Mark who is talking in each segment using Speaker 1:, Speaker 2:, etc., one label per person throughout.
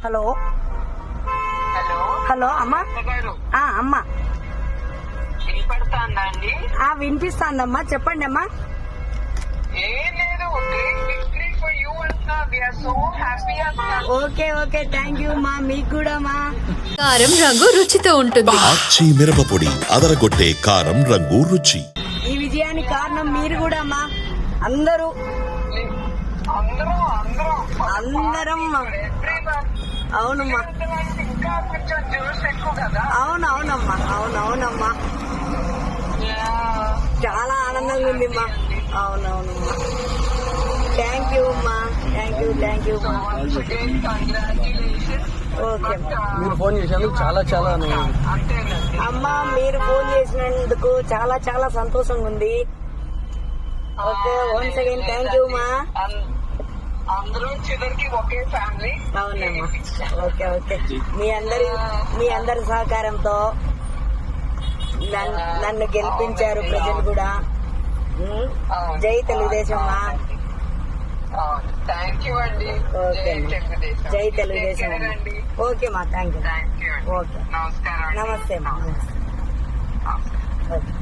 Speaker 1: Hello
Speaker 2: hello
Speaker 1: hello అమ్మా.
Speaker 2: గారు
Speaker 1: అమ్మా
Speaker 2: వినపడుతుందా అండి?
Speaker 1: వినిపిస్తాందమ్మా, చెప్పండి అమ్మా.
Speaker 2: ఏం లేదు, గ్రేట్ విక్టరీ ఫర్ యూ అంటున్నా. వీఆర్ సో హ్యాపీ అంటున్నా.
Speaker 1: ఓకే ఓకే, థ్యాంక్ యూ మా. మీకు కూడా మా.
Speaker 3: కారం రంగు రుచితో ఉంటుంది.
Speaker 4: ఆచి మిరపపొడి అదరగొట్టే కారం రంగు రుచి.
Speaker 1: ఈ విజయానికి కారణం మీరు కూడా మా. అందరూ అందరం అవునమ్మా.
Speaker 2: ఇంకా కొంచెం జ్యూస్ ఎక్కువ కదా.
Speaker 1: అవునవునమ్మా, అవునవునమ్మా. చాలా ఆనందంగా ఉంది మా. అవునవునమ్మా. థ్యాంక్ యూ అమ్మా, థ్యాంక్ యూ మా. ఓకే
Speaker 5: మీరు ఫోన్ చేసినందుకు చాలా చాలా
Speaker 2: అంతేనండి.
Speaker 1: అమ్మా, మీరు ఫోన్ చేసినందుకు చాలా చాలా సంతోషంగా ఉంది. Okay, once again thank you మా.
Speaker 2: అందరూ చివరికి ఒకే ఫ్యామిలీ.
Speaker 1: అవునమ్మా. ఓకే ఓకే, మీ అందరి సహకారంతో నన్ను గెలిపించారు ప్రజలు కూడా. జై తెలుగుదేశం మా.
Speaker 2: థ్యాంక్ యూ అండి.
Speaker 1: ఓకే జై తెలుగుదేశం. ఓకే మా, థ్యాంక్ యూ. ఓకే,
Speaker 2: నమస్కారం.
Speaker 1: నమస్తే మా. ఓకే.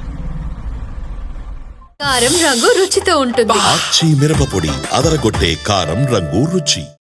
Speaker 3: కారం రంగు రుచితో ఉంటుంది.
Speaker 4: ఆచి మిరపపొడి అదరగొట్టే కారం రంగు రుచి.